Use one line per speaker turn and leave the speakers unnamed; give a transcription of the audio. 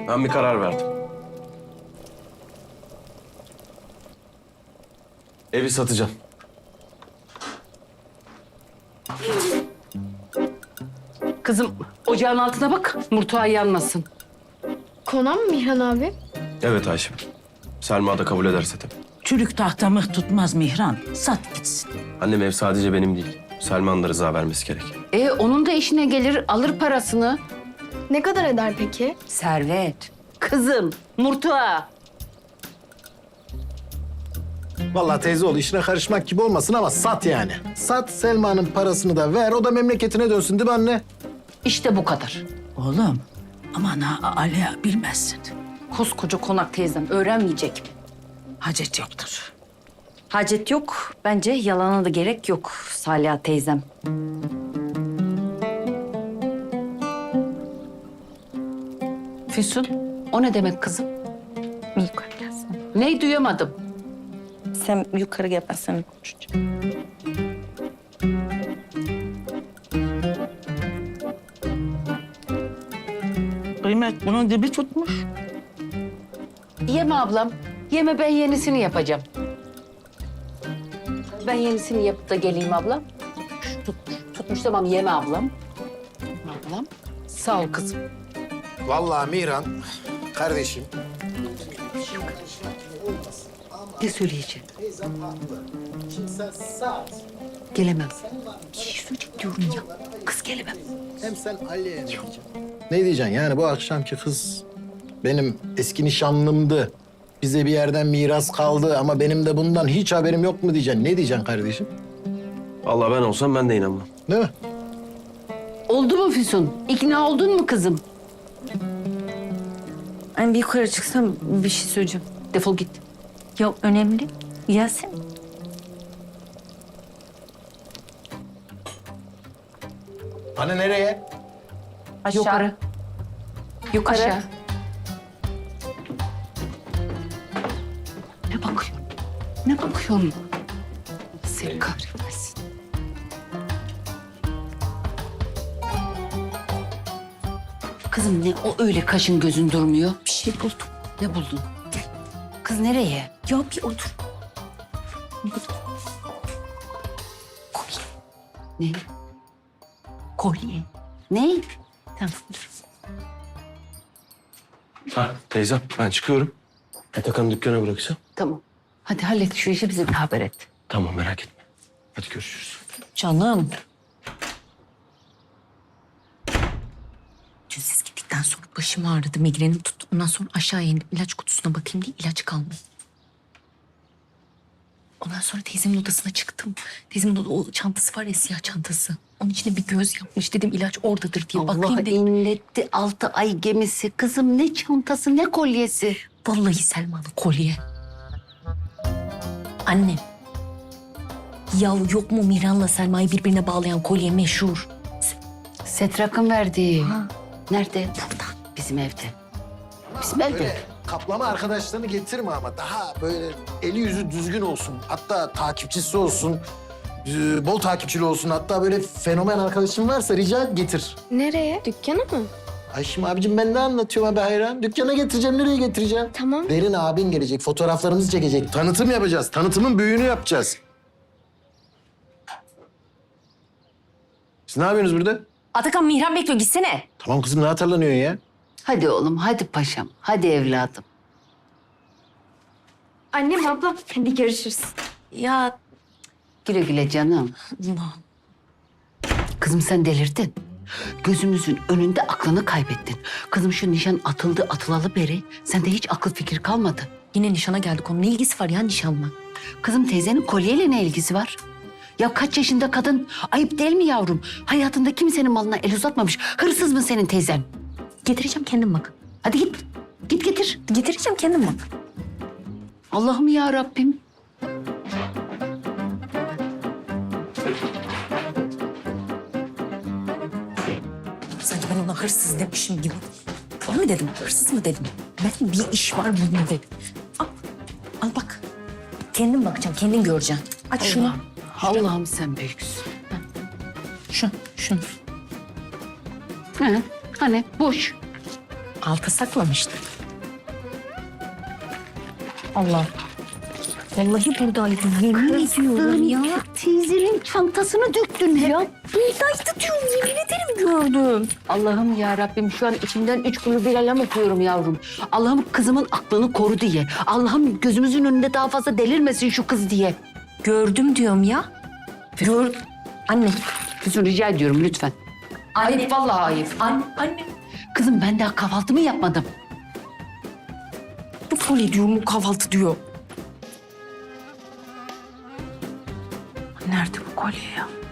Ben bir karar verdim. Evi satacağım.
Kızım ocağın altına bak, murtuğa yanmasın.
Konan mı Mihran abi?
Evet Ayşem. Selma da kabul ederse tabii.
Çürük tahta mıh tutmaz Mihran. Sat gitsin.
Annem ev sadece benim değil. Selma'nın da rıza vermesi gerek.
Onun da işine gelir, alır parasını.
Ne kadar eder peki?
Servet. Kızım, murtuğa.
Vallahi teyze oğlu işine karışmak gibi olmasın ama sat yani. Sat, Selma'nın parasını da ver, o da memleketine dönsün değil mi anne?
İşte bu kadar.
Oğlum aman ha Ali'ye bilmezsin.
Koskoca konak teyzem öğrenmeyecek mi?
Hacet yoktur.
Hacet yok. Bence yalana da gerek yok Saliha teyzem.
Füsun, o ne demek kızım?
Yukarı gelsin.
Neyi duyamadım?
Sen yukarı gel, ben seninle konuşacağım.
Kıymet bunun dibi tutmuş.
Yeme ablam, yeme, ben yenisini yapacağım. Ben yenisini yapıp da geleyim ablam. Tutmuş tamam, yeme ablam. Ablam, sağ ol kızım.
Vallahi Mihran, kardeşim.
Ne söyleyeceğim?
Teyzem haklı. Şimdi sen sat.
Gelemem.
Bir şey söyleyecek diyorum ya. Kız gelemem.
Hem sen Ali'ye ne diyeceksin? Ne diyeceksin yani bu akşamki kız benim eski nişanlımdı. Bize bir yerden miras kaldı ama benim de bundan hiç haberim yok mu diyeceksin? Ne diyeceksin kardeşim?
Vallahi ben olsam ben de inanmam.
Değil mi?
Oldu mu Füsun? İkna oldun mu kızım?
Ben bir yukarı çıksam bir şey söyleyeceğim.
Defol git.
Ya önemli. Gelsin.
Hani nereye?
Aşağı.
Yukarı.
Yukarı.
Aşağı. Ne bakıyorsun? Ne bakıyorsun? Seni kahretmesin. Kızım ne o öyle kaşın gözün durmuyor?
Bir şey buldum.
Ne buldun? Kız nereye?
Ya bir otur.
Ne?
Kolye.
Ne?
Tamam dur.
Ha teyzem ben çıkıyorum. Atakan'ı dükkana bırakacağım.
Tamam. Hadi hallet şu işi, bize de haber et.
Tamam merak etme. Hadi görüşürüz.
Canım. Dün siz gittikten sonra başım ağrıdı, migrenim tuttu. Ondan sonra aşağı indim, ilaç kutusuna bakayım diye ilaç kalmadı. Ondan sonra teyzemin odasına çıktım. Teyzemin o çantası var ya, siyah çantası. Onun içine bir göz yapmış. Dedim ilaç oradadır diye
Allah
bakayım dedim.
inletti 6 ay gemisi. Kızım ne çantası ne kolyesi.
Vallahi Selma'nın kolye. Anne. Ya yok mu Miran'la Selma'yı birbirine bağlayan kolye meşhur?
Setrak'ın verdiği.
Ha.
Nerede?
Burada.
Bizim evde. Bizim evde.
Böyle kaplama arkadaşlarını getirme ama daha böyle eli yüzü düzgün olsun. Hatta takipçisi olsun. Bol takipçili olsun. Hatta böyle fenomen arkadaşın varsa rica et getir.
Nereye? Dükkana mı?
Ayşem abicim ben ne anlatıyorum abi hayran? Dükkana getireceğim, nereye getireceğim?
Tamam.
Derin abin gelecek, fotoğraflarımızı çekecek. Tanıtım yapacağız, tanıtımın büyüğünü yapacağız. Siz ne yapıyorsunuz burada?
Atakan Mihran bekliyor, gitsene.
Tamam kızım, ne atarlanıyorsun ya?
Hadi oğlum, hadi paşam, hadi evladım.
Annem, ablam. Hadi görüşürüz.
Ya
Güle güle canım.
Allah.
Kızım sen delirdin. Gözümüzün önünde aklını kaybettin. Kızım şu nişan atıldı atılalı beri sende hiç akıl fikir kalmadı.
Yine nişana geldik, onun ne ilgisi var ya nişanla?
Kızım teyzenin kolyeyle ne ilgisi var? Ya kaç yaşında kadın? Ayıp değil mi yavrum? Hayatında kimsenin malına el uzatmamış. Hırsız mı senin teyzen?
Getireceğim kendim bak.
Hadi git. Git getir.
Getireceğim kendim bak.
Allah'ım ya Rabbim.
Sanki ben ona hırsız demişim gibi. Onu mu dedim, hırsız mı dedim? Ben bir iş var bunun dedim. Al, al bak. Kendin bakacaksın, kendin göreceksin. Aç şunu.
Allah'ım sen büyüksün.
Şunu.
He, hani boş.
Alta saklamıştı. Allah. Vallahi buradaydı. Yemin ediyorum ya.
Teyzenin çantasını döktün ya.
Buradaydı diyorum. Yemin ederim gördüm.
Allah'ım ya Rabbim şu an içimden 3 kulu bir alem okuyorum yavrum. Allah'ım kızımın aklını koru diye. Allah'ım gözümüzün önünde daha fazla delirmesin şu kız diye.
Gördüm diyorum ya. Gör. Anne.
Füsun rica ediyorum lütfen. Ayıp vallahi ayıp.
Anne.
Kızım ben daha kahvaltımı yapmadım.
Bu kolye diyorum, bu kahvaltı diyor. Nerede bu kolye ya?